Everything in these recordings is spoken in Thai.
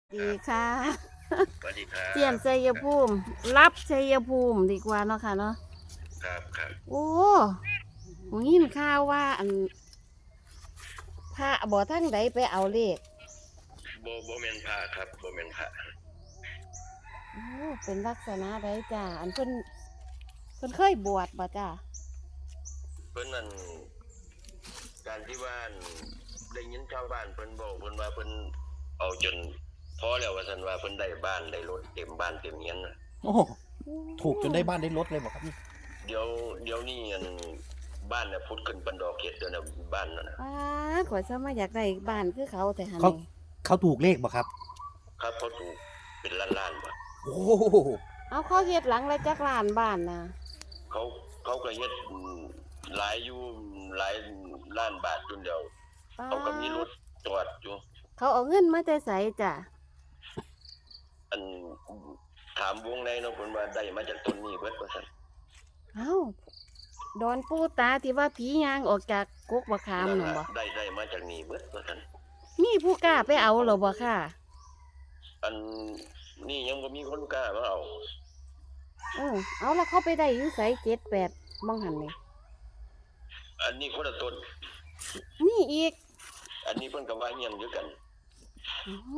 ดีค่ะสวัสดีครัเจียนบชัยภูมิรับชัยภูมิดีกว่าเนาะค่ะเนาะครับโอ้หยินข่าวว่าอันพระบ่ทั้งใดไปเอาเลขโบเมนพระครับโบเมนพระโอ้เป็นลักษณะใดจ้าอันเพิ่นเคยบวชบ่จ้าเพิ่นนั่นการที่บ้านได้ยินชาวบ้านเพิ่นบอกเพิ่นว่าเพิ่นเอาจนพอแล้วว่าซั่นว่าเพิ่นได้บ้านได้รถเต็มบ้านเต็มเฮียนน่ะโอ้ถูกจนได้บ้านได้รถเลยบอกครับนี่เดี๋ยวนี้อันบ้านน่ะพุดขึ้นปันดอกเฮ็ดเด้อน่ะบ้านนั่นน่ะอ้าข่อยซะมาอยากได้บ้านคือเขาแต่หั่นเขานี่เขาถูกเลขบอกครับครับเขาถูกเป็นล้านๆบ่โอ้เอาเขาเฮ็ดหลังละจักล้านบ้านน่ะเขาเขาก็เฮ็ดหลายอยู่หลายล้านบาทจนเดียวป๊าเขาก็มีรถจอดอยู่เขาเอาเงินมาแต่ไสจ้ะอันถามวงในเนาะเพิ่นว่าได้มาจากต้นนี้เบิดว่าซั่นเอ้าดอนปูตาที่ว่าผีย่างออกจากกกบักขามนั่นน่ะล่ะบ่ได้มาจากนี่เบิดว่าซั่นมีผู้กล้าไปเอาเหรอบ่ค่ะอันนี้ยังบ่มีคนกล้ามาเอาเอาแล้วเขาไปได้อยู่ไส7-8บังหันนี่อันนี้คนละต้นมีอีกอันนี้เพิ่นก็ว่าเฮียนอยู่กันอ๋อ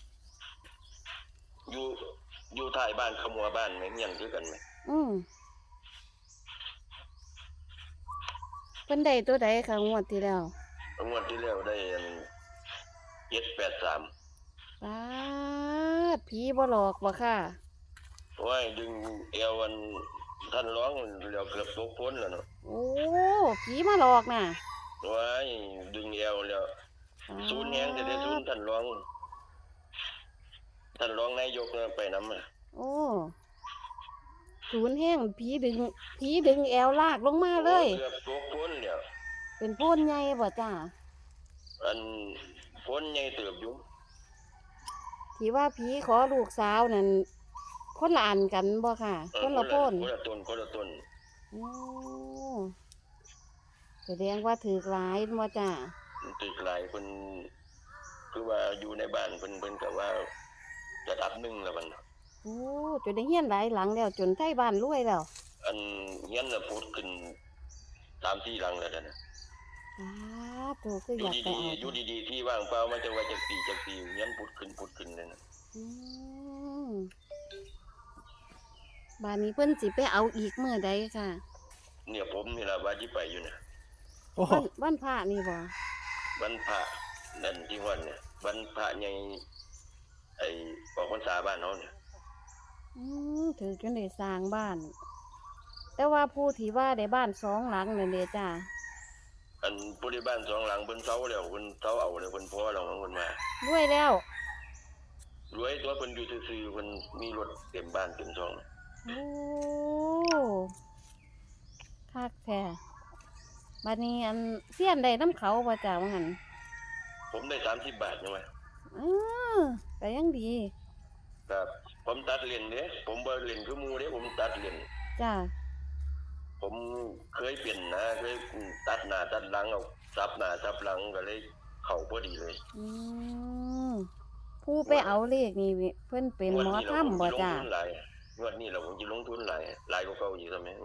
อยู่อยู่ท้ายบ้านขมัวบ้านแม่เฮียนคือกันแม่อืมเพิ่นได้ตัวใดค่ะงวดที่แล้วงวดที่แล้วได้อัน783 ป๊าดผีบ่หลอกบ่ค่ะโอ้ยดึงเอวอันท่านร้องแล้วเกือบตกพ้นแล้วเนาะโอ้ผีมาหลอกน่ะโอ้ยดึงเอวแล้วศูนย์แฮงได้ศูนย์ท่านร้องนายกน่ะไปนำโอ้ศูนย์แห้งผีดึงแอวลากลงมาเลยเกือบตกพ้นแล้วเป็นโพนใหญ่บ่จ้าอันพ้นใหญ่เติบอยู่ที่ว่าผีขอลูกสาวนั่นคนละอันกันบ่ค่ะคนละโพนคนละต้นโอ้แสดงว่าถือหลายบ่จ้าตึกหลายเพิ่นคือว่าอยู่ในบ้านเพิ่นก็ว่าระดับหนึ่งแล้วมันโอ้จนได้เฮียนหลายหลังแล้วจนไทบ้านรวยแล้วอันเฮียนน่ะพุดขึ้น3-4หลังแล้วนะโตคืออยากไปเอาอยู่ดีๆที่ว่างเปล่ามันจะว่าจักปีเฮียนพุดขึ้นเลยนะอืมบ้านนี้เพิ่นสิไปเอาอีกมื้อใดค่ะเนี่ยผมนี่ล่ะว่าสิไปอยู่นะโอ้วันพระนี่บ่วันพระนั่นที่วันเนี่ยวันพระใหญ่ไอ้ออกพรรษาบ้านเฮาเนี่ยถือจนได้สร้างบ้าน แต่ว่าผู้ที่ว่าได้บ้าน2หลังนั่นเด้จ้าอันผู้ที่บ้าน2หลังเพิ่นเซาแล้วเพิ่นเซาเอาแล้วเพิ่นพอแล้วของเพิ่นมารวยแล้วรวยตัวเพิ่นอยู่ซื่อๆเพิ่นมีรถเต็มบ้านเต็มช่องโอ้คักแท้บัดนี้อันเสี้ยนได้น้ำเขาบ่จ้าว่าหั่นผมได้30 บาทใช่ไหมเออก็ยังดีครับผมตัดเลนเด้ผมบ่เล่นคือหมู่เด้ผมตัดเลนจ้าผมเคยเปลี่ยนนะเคยตัดหน้าตัดหลังเอาซับหน้าซับหลังก็เลยเข้าพอดีเลยผู้ไปเอาเลขนี่เพิ่นเป็นหมอถ้ำบ่จ้างวดนี้เราผมสิลงทุนหลายกว่าเก่าอยู่ซั่นแหม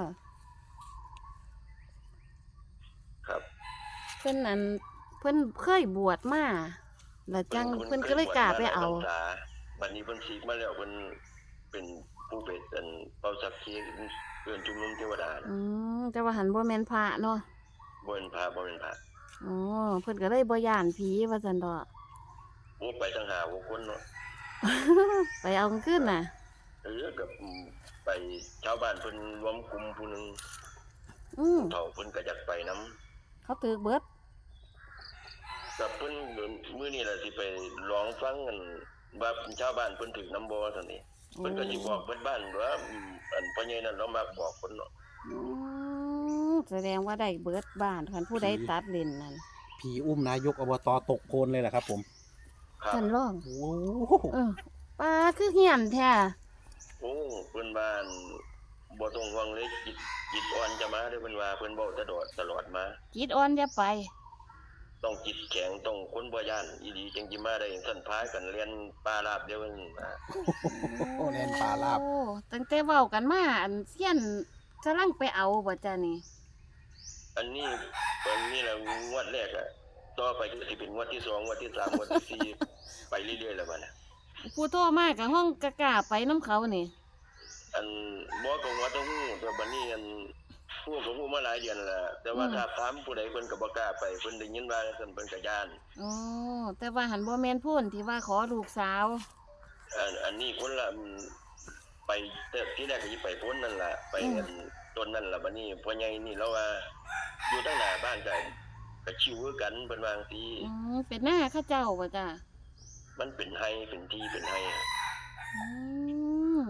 ครับเพิ่นอันเพิ่นเคยบวชมาแล้วจังเพิ่นก็เลยกล้าไปเอาบัดนี้เพิ่นฉีกมาแล้วเพิ่นเป็นผู้เป็นเป่าสักขีเอิ้นชุมนุมเทวดาแต่ว่าหันบ่แม่นพระเนาะบ่เป็นพระอ๋อเพิ่นก็เลยบ่ย้านผีว่าซั่นดอกโอ้ไปตั้ง5-6คนเนาะไปเอาขึ้นน่ะกับไปชาวบ้านเพิ่นรวมกลุ่มผู้นึงเฒ่าเพิ่นก็อยากไปนำเขาถือเบิดกับเพิ่นมื้อนี้ล่ะสิไปร้องฟังกันว่าชาวบ้านเพิ่นถึกนำบ่ซั่นนี่เพิ่นก็สิบอกเบิดบ้านว่าอันพ่อใหญ่นั่นเรามักบอกเพิ่นเนาะแสดงว่าได้เบิดบ้านคันผู้ใดตัดเล่นนั่นผีอุ้มนายกอบตตกโคลนเลยเหรอครับผมท่านร้องโอ้ปลาคือเหี้ยนแท้โอ้เพิ่นบ้านบ่ต้องห่วงเลยจิตอ่อนจะมาเด้อเพิ่นว่าเพิ่นเว้าตลอดมาจิตอ่อนอย่าไปต้องจิตแข็งต้องคนบ่ย่านอีหลีจังสิมาได้ท่านพากันเรียนปลาลาบเดียวนั้นมาโอ้แลนปลาลาบโอ้ตั้งแต่เว้ากันมาอันเซียนกำลังไปเอาบ่จ้านี่อันนี้แหละงวดแรกอะต่อไปก็สิเป็นงวดที่2งวดที่3งวดที่4ไปเรื่อยๆแล้วบัดน่ะผู้โทรมากับห้องกะกล้าไปน้ำเขานี่อันบ่ก็งวดต้องฮู้แต่บัดนี้อันฮู้ก็ฮู้มาหลายเดือนแล้วแต่ว่าถ้าถามผู้ใดเพิ่นก็บ่กล้าไปเพิ่นได้ยินว่าซั่นเพิ่นก็ย้านอ๋อแต่ว่าหันบ่แม่นพูนที่ว่าขอลูกสาวอันนี้คนละไปแต่ที่แรกก็สิไปพ้นนั่นล่ะไปอันต้นนั่นล่ะบัดนี้พ่อใหญ่นี่เราว่าอยู่ทางหน้าบ้านก็ชิวคือกันเพิ่นว่าจังซี่เป็นหน้าเข้าเจ้าบ่จ้ามันเป็นไห้เป็นที่เป็นไห้อืม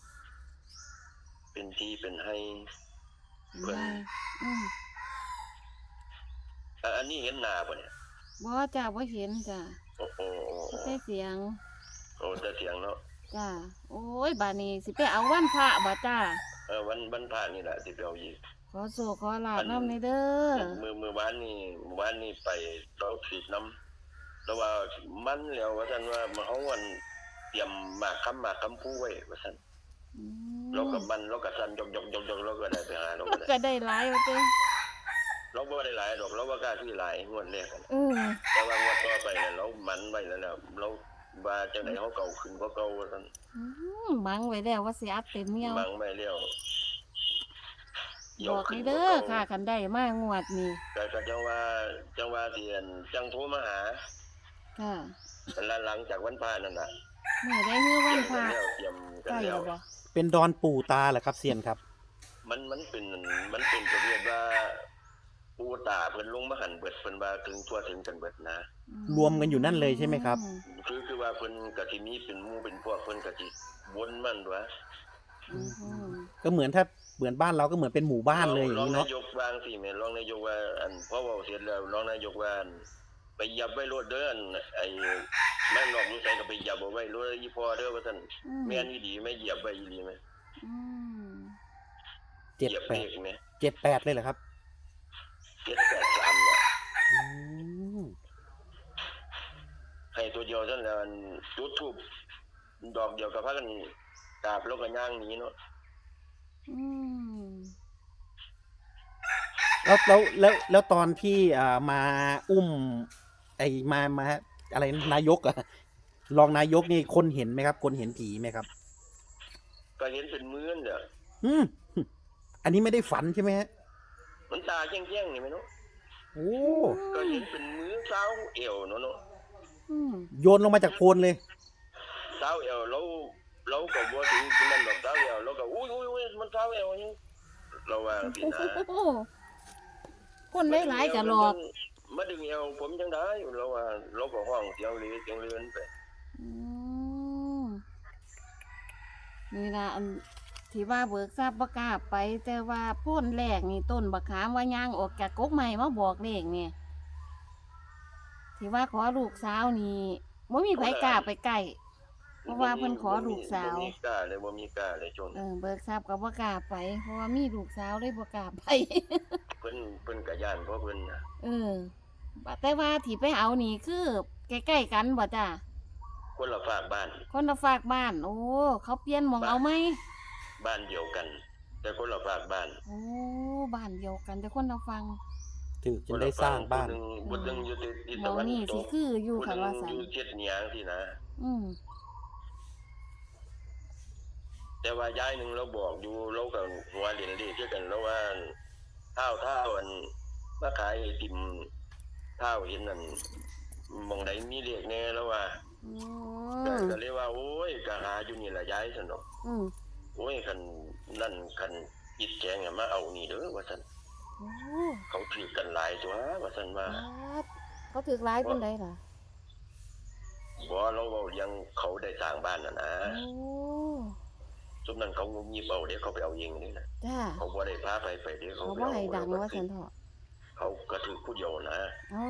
เป็นที่เป็นไห้เพิ่นอืมอันนี้เห็นหน้าบ่เนี่ยบ่จ้าบ่เห็นจ้าโอ้โหแต่เสียงโอ้แต่เสียงเนาะจ้าโอ้ยบาดนี้สิไปเอาวันพระบ่จ้าวันพระนี่แหละสิไปเอาอีกขอโศกขอลาบน้ำในเด้อมื้อวานนี่ไปเราถีบน้ำแล้วว่ามันแล้วว่าซั่นว่าเฮาวันเตรียมหมากคำผู้ไว้ว่าซั่นอืมเราก็สั่นยกเราก็ได้ไปหาเราก็ได้ก็ได้หลายว่าเด้อเราบ่ได้หลายดอกเราบ่กล้าที่หลายงวดแรกอะเออแต่ว่างวดต่อไปเนี่ยเรามันไว้แล้วนะเราว่าจังได๋เฮาเก่าขึ้นกว่าเก่าว่าซั่นบังไว้แล้วว่าสิอัดเต็มเมียวบังไม่แล้วบอกนี่เด้อค่ะคันได้มางวดนี้ก็จังว่าสิอันจังโทรมาหาค่ะหลังจากวันพระนั่นน่ะเมื่อได้ฮื้อวันพระเตรียมกันใกล้แล้แล้ว วบ่เป็นดอนปู่ตาเหรอครับเซียนครับมันเป็นประเภทว่าปูตาเพิ่นลงมาหันเบิดเพิ่นว่าถึงทั่วถึงกันเบิดนะรวมกันอยู่นั่นเลยใช่ไหมครับคือว่าเพิ่นก็สิมีเป็นหมู่เป็นพวกเพิ่นก็สิวนมันว่าอืมก็เหมือนถ้าเหมือนบ้านเราก็เหมือนเป็นหมู่บ้านเลยอย่างรองนี้นาเนาะยกวางสิแม่นรองนายกว่าอันพอเว้าเสร็จแล้วรองนายกว่าอันไปยับไว้รถเด้ออันไอ้แม่นอกอยู่ไสก็ไปยับเอาไว้รถอีพ่อเด้อว่าซั่นแม่นอีหลีแม่เหยียบไว้อีหลีแม่อืมเหยียบเลขแม่ 78เลยเหรอครับ 783เนี่ยอืมให้ตัวเดียวซั่นแล้วอันจุดธูปดอกเดียวก็พากันกราบแล้วก็ย่างหนีเนาะอืมแล้วตอนที่มาอุ้มไอ้มาอะไรนายกอะรองนายกนี่คนเห็นไหมครับ คนเห็นผีไหมครับก็เห็นเป็นมื้อเนี่ยอืมอันนี้ไม่ได้ฝันใช่ไหมฮะมันตาแจ้งๆนี่แม่เนาะโอ้ก็เห็นเป็นมื้อเช้าเอวเนาะอืมโยนลงมาจากโพนเลยเช้าเอวเราก็บ่ถึงนั่นดอกเช้าเอวเราก็อุ้ยมันเช้าเอวนี่เราว่าสินะโอ้คนหลายๆก็หลอกมาดึงเอวผมจังได้เราว่าเราก็ห้องเสียงเรือนไปอืมนี่ล่ะอันที่ว่าเบิกทราบบ่กล้าไป แต่ว่าโพ่นแรกนี่ต้นบักขามว่าย่างออกจากกกใหม่มาบอกเลขเนี่ยที่ว่าขอลูกสาวนี่บ่มีไผกล้าไปใกล้เพราะว่าเพิ่นขอลูกสาวบ่มีกล้าเลยจนเบิกทราบก็บ่กล้าไป เพราะว่ามีลูกสาวเลยบ่กล้าไปเพิ่นก็ย่านเพราะเพิ่นน่ะแต่ว่าที่ไปเอานี่คือใกล้ๆกันบ่จ้าคนละฝากบ้านคนละฝากบ้าน โอ้เขาเปลี่ยนหมองเอาไหมบ้านเดียวกัน แต่คนละฝากบ้านโอ้บ้านเดียวกันแต่คนละฟังถึงจะได้สร้างบ้านผู้หนึงอยู่ที่หมตะองวันนี่ตสิกคืออยู่ผู้หค่ะนึงว่าสันอยู่เจ็ดเหนียงที่นะอืมแต่ว่าย้ายหนึงเราบอกอยู่เราก็หัวเล่นเลขคือกันแล้วว่าเท้าอันมาขายไอติมเท้าเห็นนั่นหมองใดมีเลขแน่แล้วว่าโอ้ก็เลยว่าโอ้ยก็หาอยู่นี่ล่ะย้ายซั่นดอกอืมโอ้ยคันนั่นคันจิตแจงอะมาเอานี่เด้อว่าซั่นโอ้เขาถือกันหลายตัวว่าซั่นว่าครับเขาถือร้ายเป็นไดล่ะบ่เราเว้าเรื่องเขาได้สร้างบ้านน่ะนะโอ้ซุมนั้นเขางุมยิบเอาเด้เขาไปเอาเองนี่นะจ้าเขาบ่ได้พาไปเด้เขาเขาไปบ่เอาให้ดังว่าสันเถาะเขาก็ถือผู้เดียวนะอ๋อ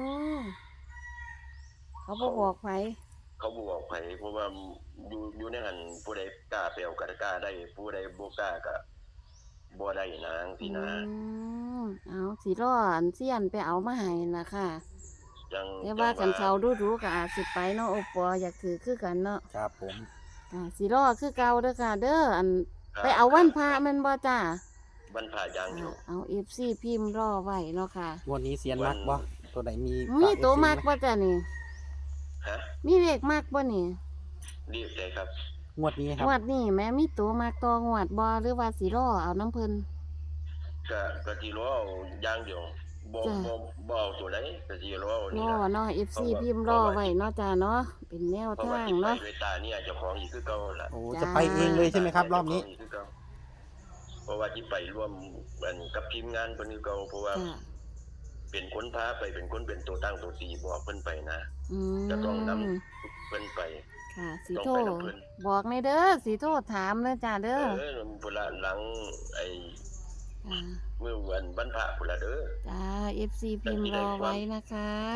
เขาบ่บอกไผเขาบ่บอกไผเพราะว่าอยู่ในหันผู้ใดกล้าไปเอาก็กล้าได้ผู้ใดบ่กล้าก็บ่ได้นะจังซี่นะเอาสิรออันเซียนไปเอามาให้นะค่ะยังแต่ว่ากันเขาดูๆก็อาจสิไปเนาะโอปออยากถือคือกันเนาะครับผมสิรอคือเก่าเด้อค่ะ เด้ออันครับไปเอาวันพระแม่นบ่จ้าบรรพายังอยู่เอา FC พิมพ์รอไว้เนาะค่ะงวดนี้เซียนมักบ่ตัวไหนมีมีฝากตัว FC มักไหบ่จ้านี่ฮะมีเลขมักบ่นี่รีบใจครับงวดนี้ครับงวดนี้แม่มีตัวมักตัวงวดบ่หรือว่าสิรอเอาน้ำเพิ่นก็ที่รู้เอาอย่างเดียวบ่จ้ะบ่เอาตัวไหนก็ที่รู้เอารนี่อล่ะเนาะ FC พิมพ์รอไว้เนาะจ้าเนาะเป็นแนวเพราะว่าทางที่ไปเนาะด้วยตาเนี่ยเจ้าของอีกคือเก่าล่ะโอ้จ้าจะไปเองเลยใช่ไหมครับ รอบนี้เจ้าของกคือเก่าเพราะว่าที่ไปร่วมกันกับทีมงานเพิ่นคือเก่าเพราะว่าจ้าเป็นคนพาไปเป็นคนเป็นตัวตั้งตัวตีบอกเพิ่นไปนะอืมจะต้องนำเพิ่นไปค่ะสิต้องโทรไปกับเพิ่นบอกในเด้อสิโทรถามเด้อจ้าเด้อพุ่นละหลังไอ้ค่ะมื้อวันบรรพะพุ่นละเด้อจ้า FC พิมพ์รอไว้นะคะ